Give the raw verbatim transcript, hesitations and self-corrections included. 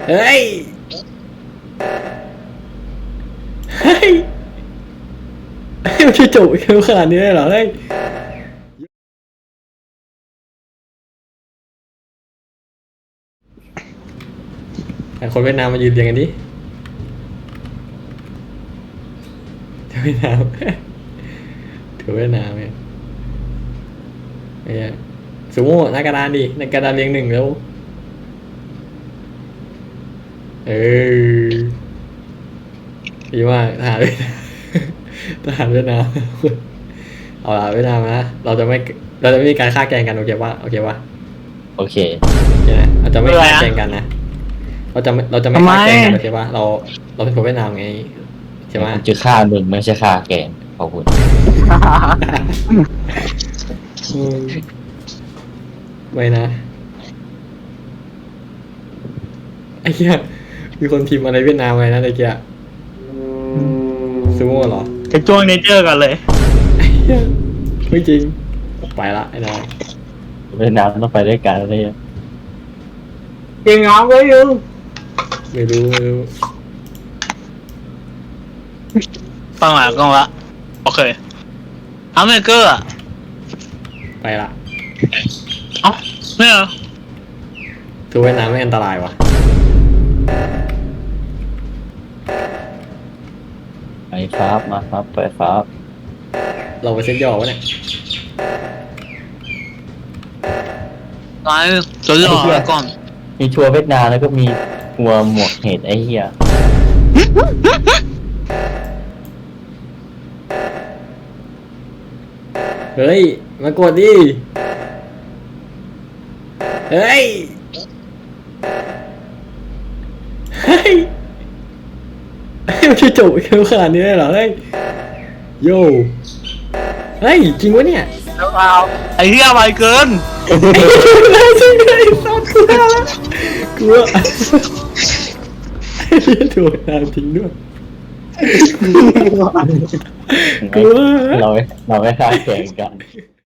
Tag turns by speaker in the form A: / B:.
A: เฮ้ยเฮ้ยเฮ้ยมันจะจบเร็วขนาดนี้เลยเหรอเฮ้ยแต่คนเวียดนามมายืนเรียงกันดิถือเวียดนามถือเวียดนามเนี่ยไอ้เหี้ยสูโม่หน้ากระดานดิหน้ากระดานเรียงหนึ่งแล้วเออดีมากทหารเวียดนามทหารเวียดนามเอาละเวียดนามนะเราจะไม่เราจะไม่มีการฆ่าแกล้งกันโอเคป่ะโอเคป่ะ
B: โอเค
A: โอเคนะเราจะไม่ฆ่าแกล้งกันนะเราจะไม่เราจะไม่ฆ่าแกล้งกันโอเคป่ะเราเราเป็นคนเวียดนามไงใช่ไหม
B: ผมจะฆ่ามึงไม่ใช่ฆ่าแกงขอบคุณ
A: อืมไม่นะไอ้เหี้ยมีคนพิมพ์อะไรเวียดนามไว้นะไอ้เกียซูโม่เหรอ
C: จะจ้วงเนเจอร์กันเลย
A: ไอ้เหี้ยไม่จริงไปละไอ้นาย
B: เวียดนามต้องไปด้วยกันอะไรเงี้ย
C: เก่งงามเลยยู
A: ไม่รู้ไม่รู้
C: ฟังหลังกล้องละโอเคอัมเมเกอร์อ่ะ
A: ไปละ
C: เอ้าไม่เหรอ
A: ทูเวียดนามไม่อันตรายวะ
B: ไปฟ้ามาครับไปฟ้า
A: เราไปเซ็ตย่อวะเนี่ย
C: ไอ้จะหล่อแล้วก่อน
B: มีทัวร์เวียดนามแล้วก็มีทัวร์หมวกเห็ดไอ้เหี้ย
A: เฮ้ยมากดดิเฮ้ยเฮ้ยเฮ้ยมันจะจบเร็วขนาดนี้เลยเหรอเฮ้ยโย่เฮ้ยจริงวะเนี่ย
C: แล้วเอาไอ้เหี้ยไวเกิน
A: ไอ้เหี้ยจริงเลยซอสกลัวแล้วกลัวไอ้เหี้ยถูกนานทิ้งด้วยกลัว
B: เราไม่เราไม่ฆ่าแกงกัน